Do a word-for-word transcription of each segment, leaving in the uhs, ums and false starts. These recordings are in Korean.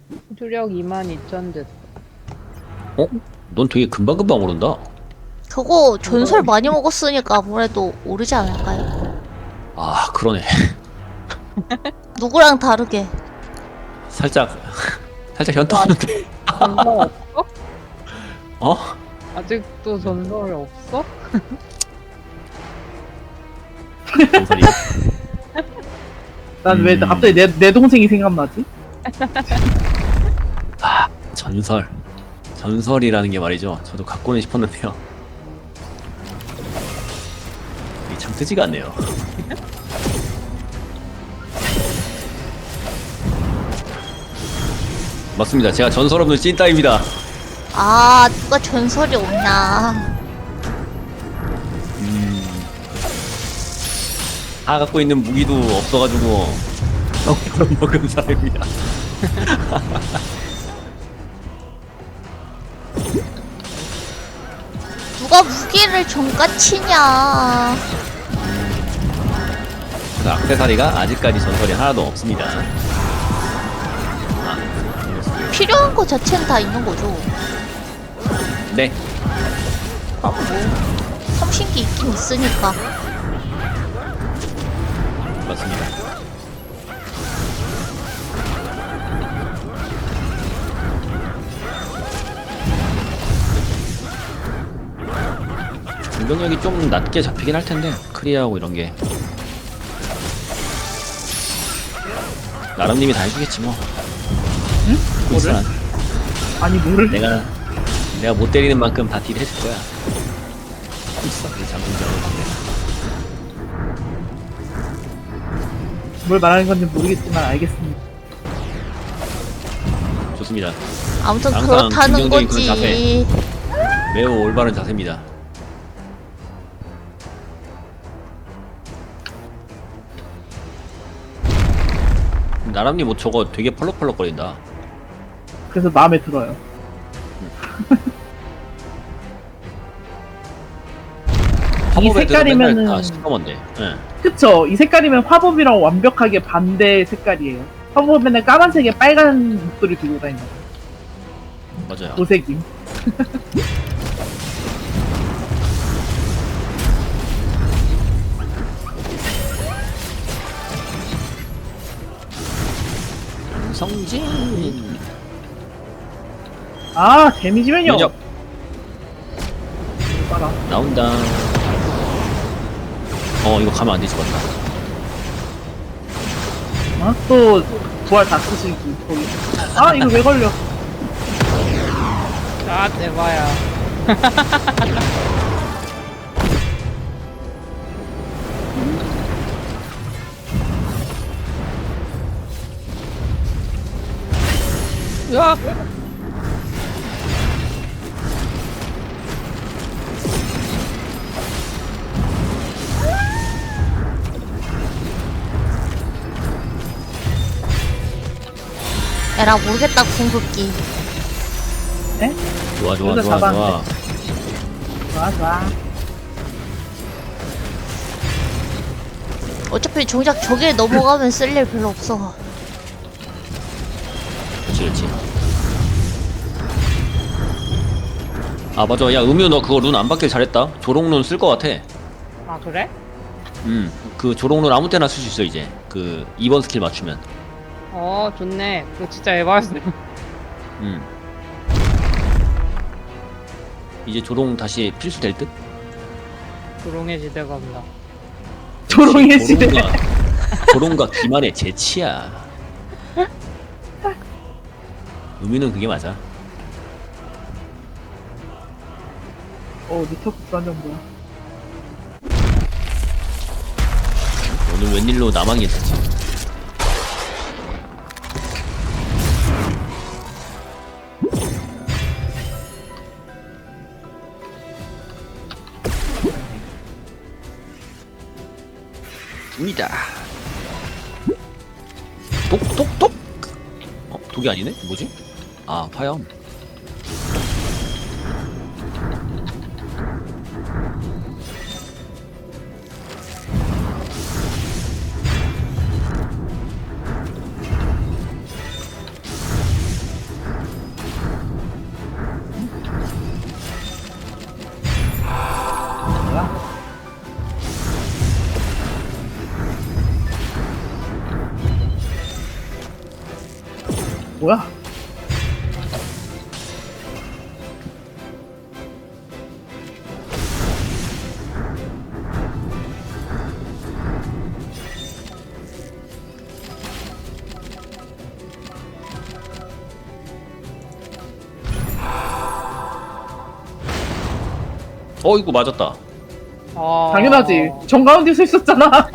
수력 이만 이천 됐어. 어? 넌 되게 금방금방 오른다. 그거 전설 많이 먹었으니까 아무래도 오르지 않을까요? 아, 그러네. 누구랑 다르게. 살짝 살짝 현타 오는데. 전설 없어? 어? 아직도 전설 없어? 전설이. 난 왜 음. 갑자기 내, 내 동생이 생각나지? 아, 전설. 전설이라는 게 말이죠. 저도 갖고는 싶었는데요. 이게 참 뜨지가 않네요. 맞습니다. 제가 전설 없는 찐따입니다. 아, 누가 전설이 없냐. 음. 다 갖고 있는 무기도 없어가지고 너무 먹은 사람입니다. 누가 무기를 정가치냐. 그래서 악세사리가 아직까지 전설이 하나도 없습니다. 필요한 거 자체는 다 있는 거죠. 네. 아, 뭐. 삼신기 있긴 있으니까. 맞습니다. 공격력이 좀 낮게 잡히긴 할 텐데 크리아하고 이런 게 나름님이 다 해주겠지 뭐. 응? 뭐를? 뭐를? 아니 뭐를? 내가 내가 못 때리는 만큼 다 딜 해줄 거야. 있어. 이 장군장으로 방금. 뭘 말하는 건지 모르겠지만 알겠습니다. 좋습니다. 아무튼 항상 그렇다는 긍정적인 그런 거지. 매우 올바른 자세입니다. 나람님 뭐 저거 되게 펄럭펄럭거린다. 그래서 마음에 들어요. 이 색깔이면은 다 시커먼데. 예. 그쵸? 이 색깔이면 화법이랑 완벽하게 반대 색깔이에요. 화법에는 까만색에 빨간 목도리 두고 다니는 거. 맞아요. 도색임. 성진. 아 데미지면요. 면역 봐라. 나온다. 어 이거 가면 안 되지 맞다. 어? 또 부활 다 쓰시기 거기. 아 이거 왜 걸려? 아, 대박야. 으악! 에라 모르겠다 궁극기. 네? 좋아 좋아 여기서 좋아 좋아. 잡았는데. 좋아 좋아. 어차피 정작 저게 넘어가면 쓸 일 별로 없어. 그렇지 그렇지. 아 맞아. 야 음유 너 그거 룬 안 받길 잘했다. 조롱룬 쓸 것 같아. 아, 그래? 음, 그 조롱룬 아무 때나 쓸 수 있어 이제. 그 이 번 스킬 맞추면. 어, 좋네. 그거 진짜 에바였어. 음. 이제 조롱 다시 필수 될 듯? 조롱의 시대가 온다. 조롱의 시대. 조롱과, 조롱과 기만의 재치야. 의미는 그게 맞아. 어 니터프 완전 뭐야? 오늘 웬일로 나만 괜찮지? 니다 똑똑똑. 어 독이 아니네? 뭐지? 아 화염. 뭐야? 어 이거 맞았다. 아... 당연하지. 정가운데 서 있었잖아.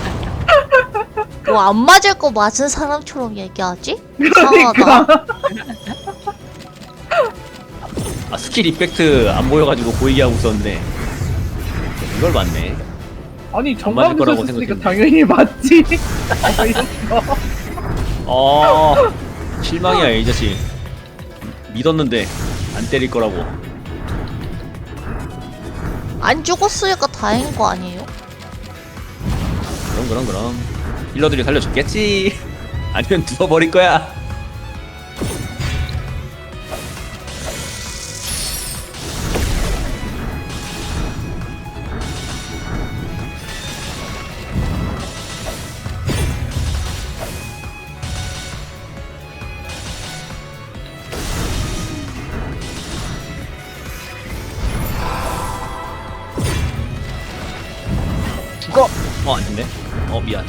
뭐 안 맞을 거 맞은 사람처럼 얘기하지? 이상하다. 그러니까. 아 스킬 이펙트 안 보여가지고 보이게 하고 있었는데 이걸 맞네. 아니 맞을 정가운데 서 거라고 있었으니까 생각했는데. 당연히 맞지. 아, 이랬어. 어 실망이야 이 자식. 믿었는데 안 때릴 거라고. 안 죽었으니까 다행인 거 아니에요? 그럼 그럼 그럼 힐러들이 살려줬겠지. 아니면 누워버릴 거야. 죽어. 어 아닌데. 어 미안.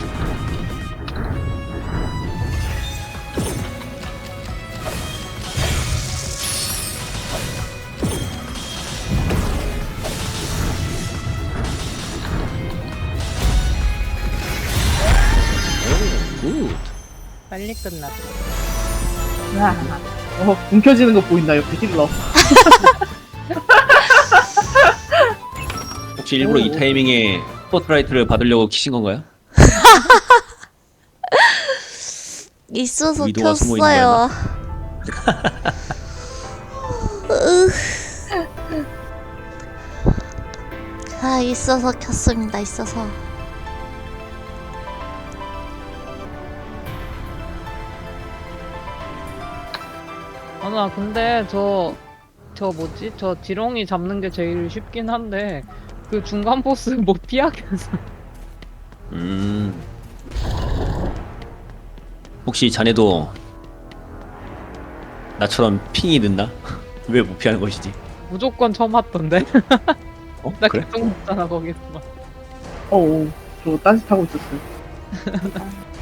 오, 굿. 빨리 끝났다. 어, 움켜쥐는 거 보인다 옆에 힐러. 혹시 일부러 오. 이 타이밍에 스포트라이트를 받으려고 키신 건가요? 있어서 위도가 숨어 있는 켰어요. 으. 아, 있어서 켰습니다. 있어서. 아, 나 근데 저, 저 뭐지? 저 지렁이 잡는 게 제일 쉽긴 한데, 그 중간 보스 못 피하겠어. 음. 혹시 자네도 나처럼 핑이 늦나? 왜 못 피하는 것이지? 무조건 처음 왔던데? 어? 나 그래? 계속 먹잖아, 거기서. 어우, 저 딴짓하고 있었어요.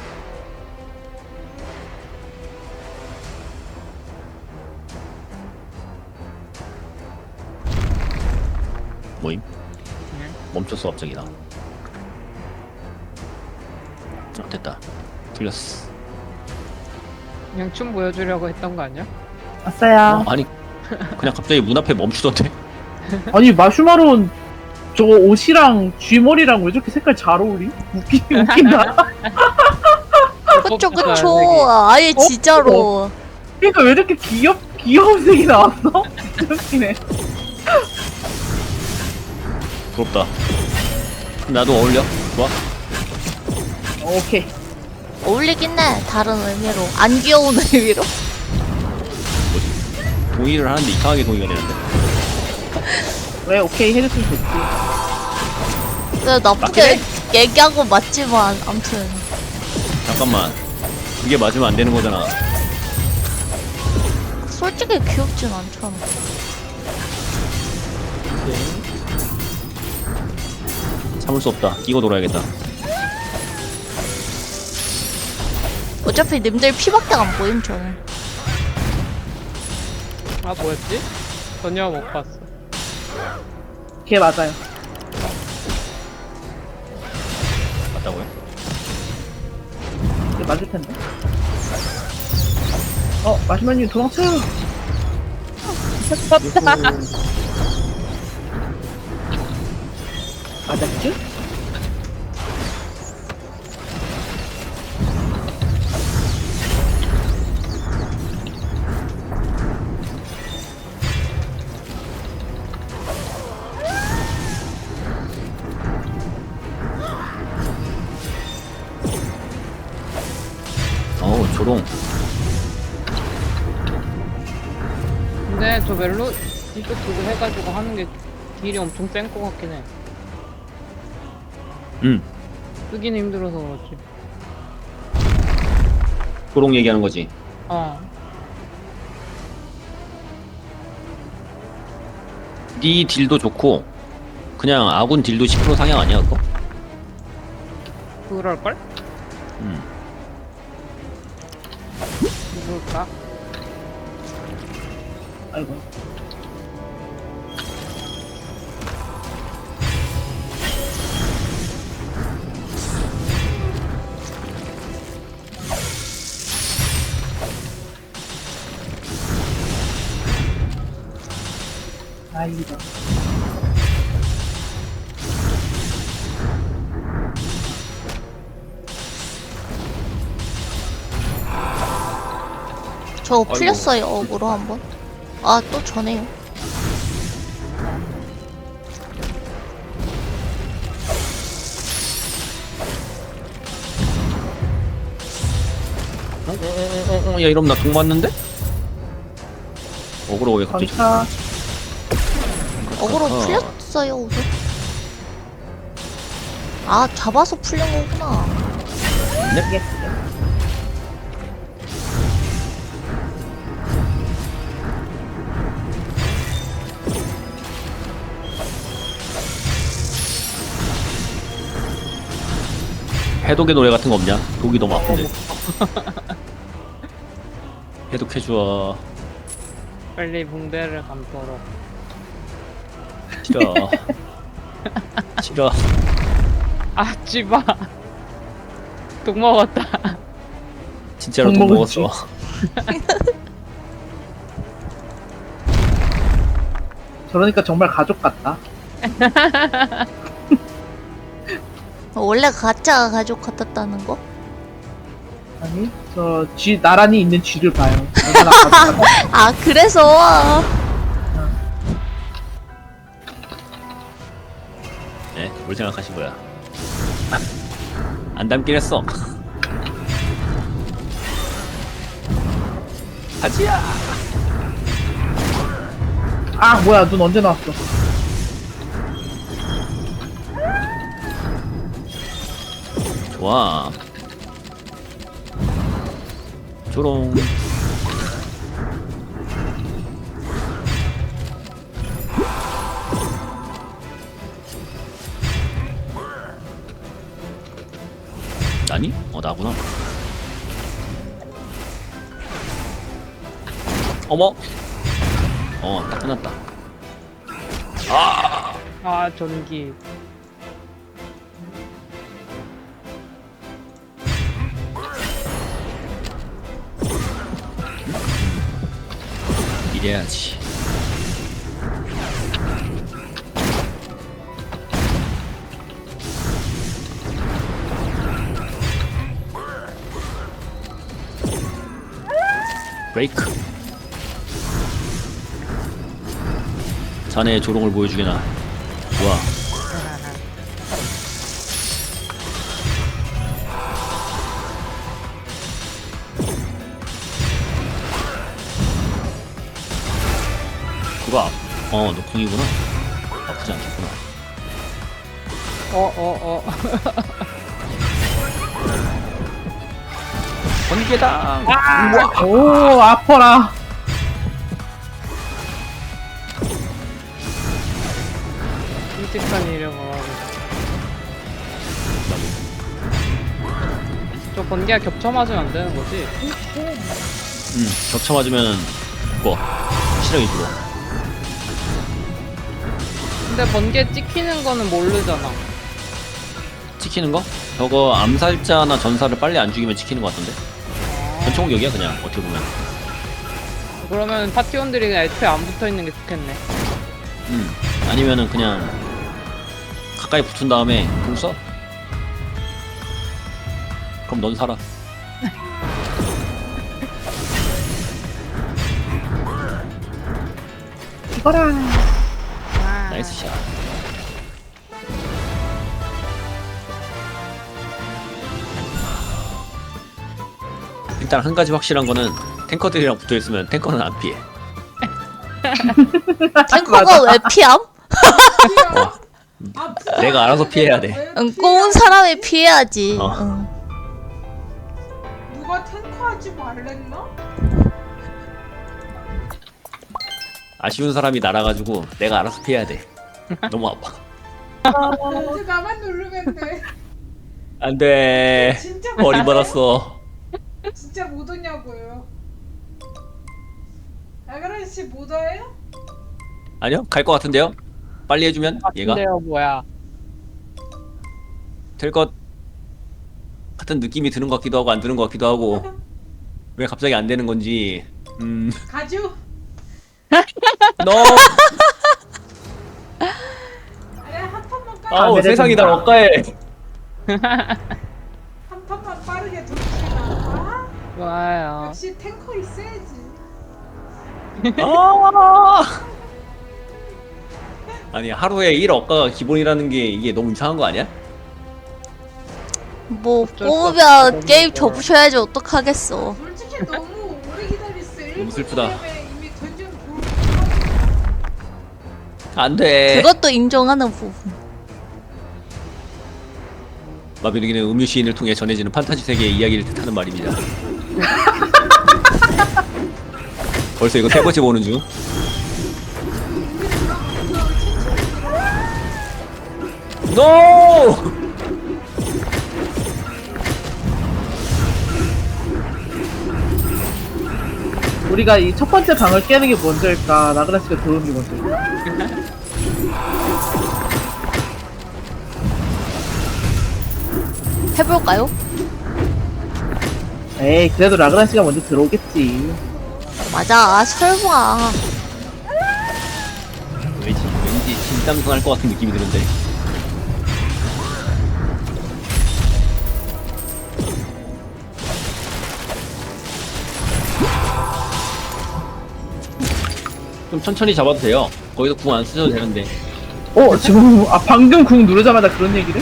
뭐임? 응? 멈췄어 갑자기 나. 아, 됐다. 틀렸어. 그냥 춤 보여주려고 했던 거 아니야? 아싸야. 어, 아니 그냥 갑자기 문 앞에 멈추던데. 아니 마슈마로는 저거 옷이랑 쥐머리랑 왜 저렇게 색깔 잘 어울리? 웃기, 웃긴다. 그쵸, 뽑혔어요, 그쵸. 아예 어? 진짜로. 그러니까 왜 이렇게 귀엽, 귀여운 색이 나왔어? 진짜 웃기네. 부럽다. 나도 어울려. 좋아. 오케이. 어울리긴 해. 다른 의미로. 안 귀여운 의미로. 뭐지? 동의를 하는데 이상하게 동의가 되는데. 왜 오케이 해줬으면 좋지. 그래, 나쁘게 얘기하고 맞지만, 암튼. 잠깐만. 그게 맞으면 안 되는 거잖아. 솔직히 귀엽진 않잖아. 참을 수 없다. 끼고 놀아야겠다. 어차피 님들 피밖에 안 보임, 저는. 아, 뭐였지? 전혀 못 봤어. 걔 맞아요. 맞다고요? 걔 맞을 텐데. 어, 마시마님 도망쳐요. 맞았지? 어우 조롱. 근데 저 멜로 이쪽 그거 해가지고 하는 게 딜이 엄청 센 거 같긴 해. 음. 쓰기는 힘들어서 그렇지. 조롱 얘기하는 거지. 어. 네 딜도 좋고 그냥 아군 딜도 십 퍼센트 상향 아니야 그거? 그럴걸? 음. 누굴까? 아이고. 다행이다. 저 풀렸어요 어그로 한번. 아 또 전해요. 어, 어, 어, 어, 어, 야 이러면 나 동 맞는데? 어그로 왜 갑자기 전차. 어그로 어. 풀렸어요 우선. 아 잡아서 풀린 거구나. 예. 해독의 노래 같은 거 없냐? 독이 너무 아픈데. 해독해줘. 빨리 붕대를 감도록. 싫어. 싫어. 아 찌바. 독 먹었다. 진짜로 독 독 먹었지. 먹었어. 저러니까 정말 가족 같다. 원래 가짜 가족 같았다는 거? 아니, 저 쥐 나란히 있는 쥐를 봐요. 얼마나 가족 같다. 아 그래서 네, 뭘 생각하신 거야? 안 닮긴 했어. 하지야. 아 뭐야, 눈 언제 나왔어? 좋아. 조롱. 아니? 어 나구나. 어머. 어 딱 끝났다. 아 전기. 이래야지. 브레이크. 자네의 조롱을 보여주게나. 좋아. 그거 어 녹콩이구나. 아프지 않겠구나. 어 어 어. 번개당. 우와. 오, 아파라. 끔찍한 일을 뭐라고. 저 번개가 겹쳐 맞으면 안 되는 거지? 응 겹쳐 맞으면 죽어. 시력이 죽어. 근데 번개 찍히는 거는 모르잖아. 찍히는 거? 저거 암살자나 전사를 빨리 안 죽이면 찍히는 거 같던데. 전체 공격이야 그냥 어떻게 보면. 그러면 파티원들이 그냥 애초에 안 붙어 있는 게 좋겠네. 음 아니면은 그냥 가까이 붙은 다음에 공 써? 그럼 넌 살아. 이거라. 나이스 샷. 일단 한 가지 확실한 거는 탱커들이랑 붙어 있으면 탱커는 안 피해. 탱커가 왜 피함? 어, 내가 알아서 피해야 돼. 응, 꼬운 사람이 피해야지. 어. 응. 누가 탱커하지 말랬나? 아쉬운 사람이 날아가지고 내가 알아서 피해야 돼. 너무 아파. 이제 나만 누르면 돼. 안돼. 진짜 머리 못 받았어. 진짜 못 오냐고요. 아그라 씨못 와요? 아니요, 갈 것 같은데요. 빨리 해주면 얘가 같은데요 뭐야? 될 것 같은 느낌이 드는 것 같기도 하고 안 드는 것 같기도 하고 왜 갑자기 안 되는 건지. 음, 가죠. 너 아니 한 판만 빨리 아우 내려준다. 세상이 날 억까해. 한 판만 빠르게 돌리시나. 아, 좋아요. 역시 탱커 있어야지. 아! 아니 하루에 일 억가가 기본이라는 게 이게 너무 이상한 거 아니야? 뭐 어쩔 수 없어. 뽑으면 너무 게임 무서워. 접으셔야지 어떡하겠어. 솔직히 너무 오래 기다렸어. 너무 슬프다. 이미 던전 볼. 안돼. 그것도 인정하는 부분. 마비노기는 음유 시인을 통해 전해지는 판타지 세계의 이야기를 뜻하는 말입니다. 벌써 이거 세 번째 보는 중. 노! 우리가 이 첫 번째 방을 깨는 게 먼저일까? 나그라 씨가 들어오는 게 먼저일까? 해볼까요? 에이, 그래도 라그라 씨가 먼저 들어오겠지. 맞아, 설마. 왠지, 왠지 진땀승 할 것 같은 느낌이 드는데. 좀 천천히 잡아도 돼요. 거기서 궁 안 쓰셔도 되는데. 어, 지금, 아, 방금 궁 누르자마자 그런 얘기를?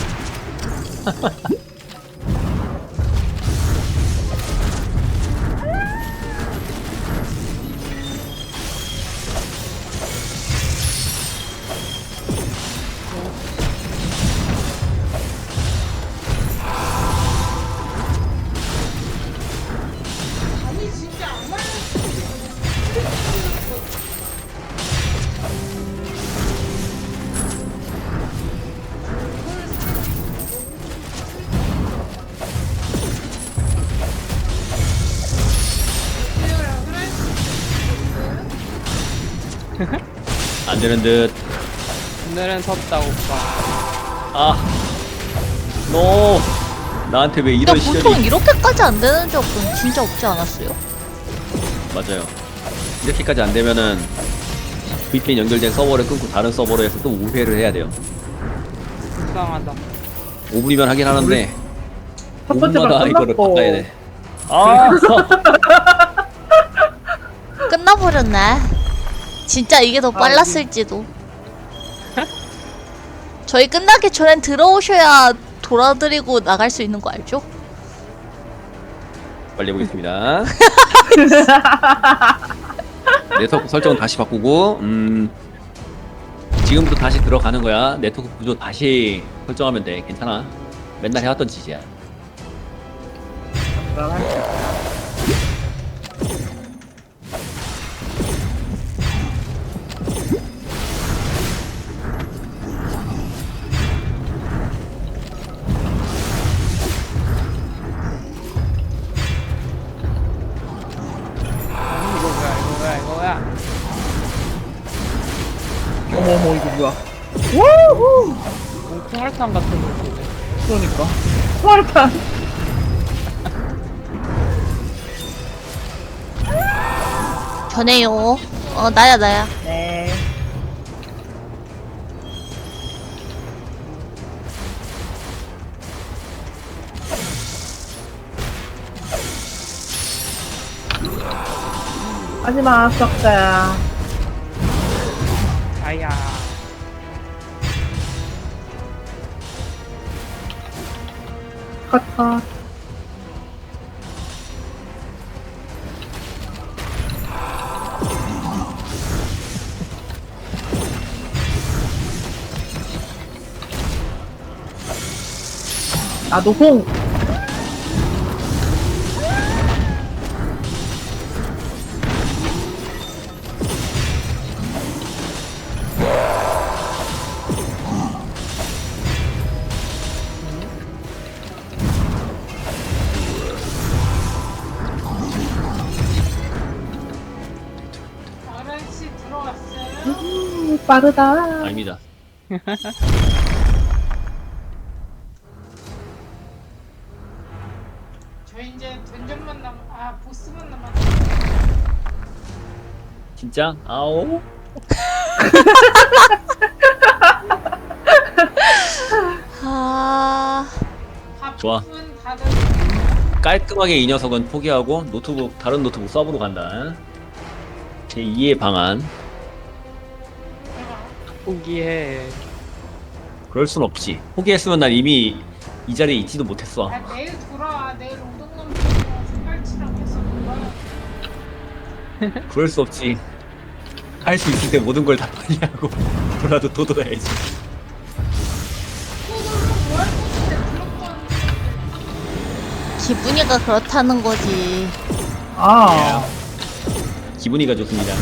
아니 진짜 안 말려. 안 되는 듯. 오늘은 섰다 오빠. 아. 노. 나한테 왜 근데 이런 보통 시련이. 이렇게까지 안 되는 적은 진짜 없지 않았어요? 맞아요. 이렇게까지 안 되면은 브이피엔 연결된 서버를 끊고 다른 서버로 해서 또 오 회를 해야 돼요. 불쌍하다. 오 분이면 하긴 하는데 첫 번째 방 오 분마다 이거를 끝났고. 바꿔야 돼. 아. 끝나버렸네. 진짜 이게 더 빨랐을지도. 저희 끝나기 전엔 들어오셔야 돌아드리고 나갈 수 있는 거 알죠? 빨리 해보겠습니다. 네트워크 설정은 다시 바꾸고, 음, 지금부터 다시 들어가는 거야. 네트워크 구조 다시 설정하면 돼. 괜찮아. 맨날 해왔던 짓이야. 이거 뭐야 이거 뭐야 이거 뭐야. 어머머, 이거 뭐야. 우후! 뭐 콩알탕 같은 느낌이네. 그러니까. 스마르탄! 전해요. 어, 나야, 나야. 네. 하지마, 썩자야. 아야. 컷, 컷. 아, 노홍! 빠르다. 아닙니다. 저 이제 던전만 남, 아 보스만 남았. 진짜? 아오. 아, 좋아. 밥은 다들 깔끔하게 이 녀석은 포기하고 노트북 다른 노트북 서브로 간다. 제이의 방안. 포기해. 그럴 순 없지. 포기했으면 난 이미 이 자리에 있지도 못했어. 아, 내일 돌아와. 내일 오동남북이랑 생갈치랑 해서 놀아. 그럴 수 없지. 할 수 있을 때 모든 걸 다 포기하고 돌아도 또 돌아야지. 또 놀면 뭐할 건데 그런 건. 기분이가 그렇다는 거지. 아, 기분이가 좋습니다.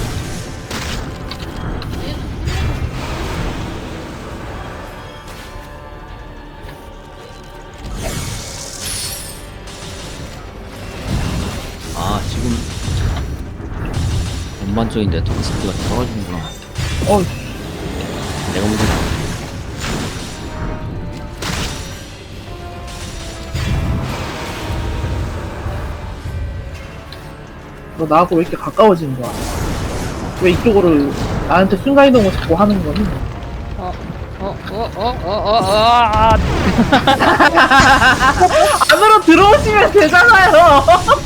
아 지금 전반적인 네트워크 스피드가 떨어지는구나. 어, 내가 문제다. 너 나하고 왜 이렇게 가까워지는 거야? 왜 이쪽으로 나한테 순간이동을 자꾸 하는 거니? 어, 어, 어, 어, 어, 어, 어, 아, 안으로 들어오시면 되잖아요.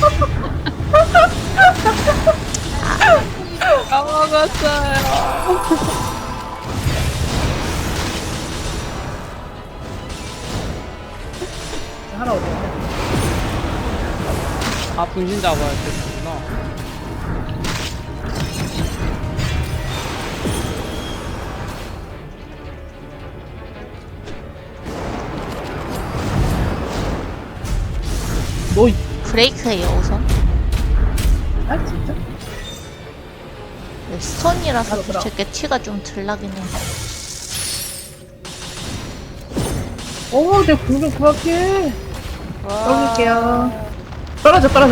까먹었어요. 하나 어디? 아, 분신 잡아야 되구나. 너, 브레이크예요, 우선. 아 진짜? 네, 스톤이라서 알아, 알아. 저게 티가 좀 덜 나긴 해. 어, 내 공좀 그만해. 와. 떨어질게요. 떨어져, 떨어져.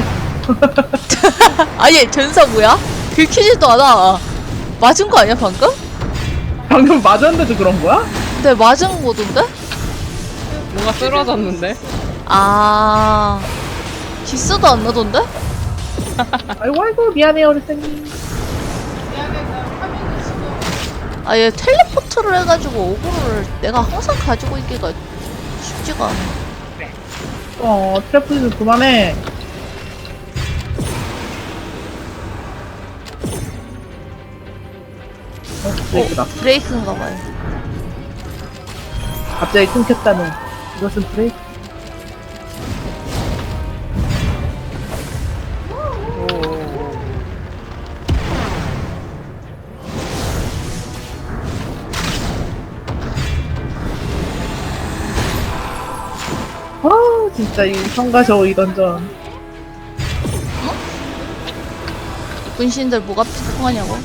아니, 전사 뭐야? 긁히지도 않아. 맞은 거 아니야, 방금? 방금 맞았는데도 그런 거야? 근데 맞은 거던데? 뭔가 쓰러졌는데? 아, 기스도 안 나던데? 아이고, 아이고, 미안해요, 어르신님. 미안해, 나 화면이 지금. 아, 얘 텔레포트를 해가지고 오구를 내가 항상 가지고 있기가 쉽지가 않아. 어, 트래플 좀 그만해. 어, 브레이크다. 브레이크인가 봐요. 갑자기 끊겼다는. 이것은 브레이크. 아, 진짜 이 성가 저우 이 던전. 분신들 뭐가 통하냐고?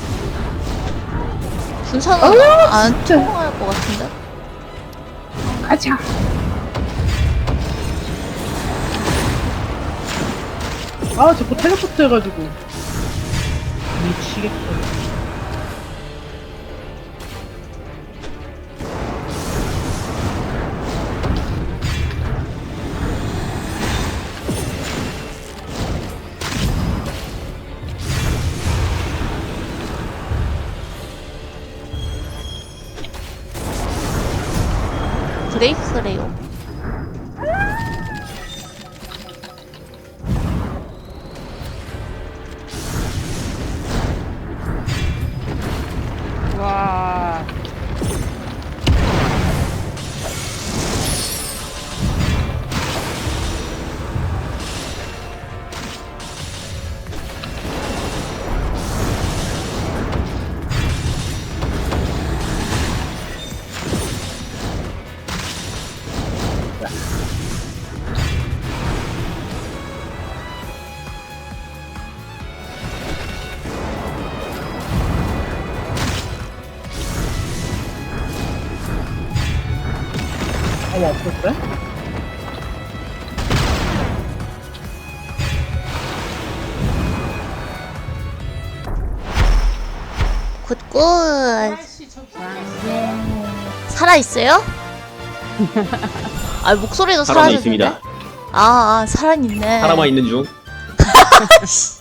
분산은 아, 안 진짜. 통할 것 같은데? 가자. 아, 자꾸 텔레포트 해가지고. 미치겠어. 브레이크래요. 와. 어머, 없었어요? 굿 굿. 아저씨 저기 살아 있어요? 아 목소리도 살아만 사라졌는데? 있습니다. 아, 아 살아있네. 살아만 있는 중. 씨.